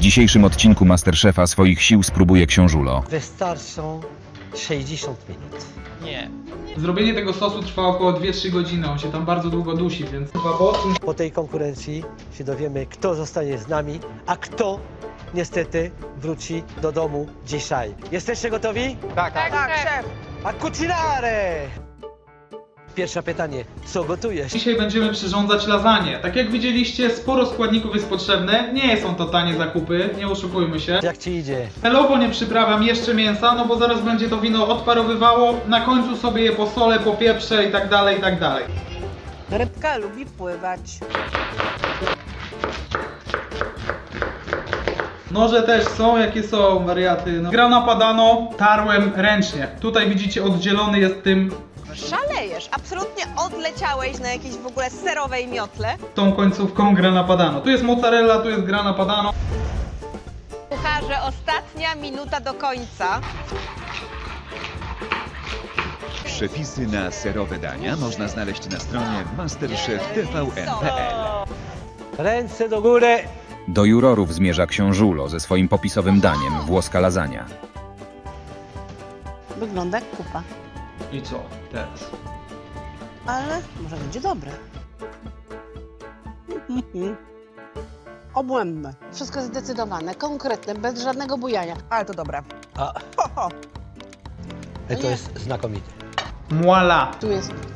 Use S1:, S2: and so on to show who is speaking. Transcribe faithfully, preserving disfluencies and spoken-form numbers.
S1: dzisiejszym odcinku Masterchefa swoich sił spróbuje książulo.
S2: Wystarczą sześćdziesiąt minut.
S3: Nie.
S4: Zrobienie tego sosu trwa około dwie trzy godziny, on się tam bardzo długo dusi, więc chyba po odcinku
S2: Po tej konkurencji się dowiemy, kto zostanie z nami, a kto niestety wróci do domu dzisiaj. Jesteście gotowi?
S3: Tak, tak.
S5: Tak, szef.
S2: A cucinare! Pierwsze pytanie, co gotujesz?
S4: dzisiaj będziemy przyrządzać lasagne. Tak jak widzieliście, sporo składników jest potrzebne, nie są to tanie zakupy, nie oszukujmy się.
S2: Jak ci idzie?
S4: Celowo nie przyprawiam jeszcze mięsa, no bo zaraz będzie to wino odparowywało, na końcu sobie je posolę, popieprzę i tak dalej, i tak dalej.
S5: Rybka lubi pływać.
S4: Noże też są, jakie są, wariaty. No. Grana padano tarłem ręcznie. Tutaj widzicie, oddzielony jest tym,
S6: Szalejesz, absolutnie odleciałeś na jakiejś w ogóle serowej miotle.
S4: tą końcówką grana padano. Tu jest mozzarella, tu jest grana padano.
S6: Kucharze, ostatnia minuta do końca.
S7: Przepisy na serowe dania można znaleźć na stronie masterchef t v n kropka p l.
S2: Ręce do góry!
S1: Do jurorów zmierza książulo ze swoim popisowym daniem włoska lasagna.
S5: Wygląda jak kupa,
S4: I co teraz?
S5: ale może będzie dobre. Obłędne. Wszystko jest zdecydowane, konkretne, bez żadnego bujania. Ale to dobre.
S2: A,
S5: Ho, ho.
S2: to jest znakomite.
S4: Muala.
S5: Tu jest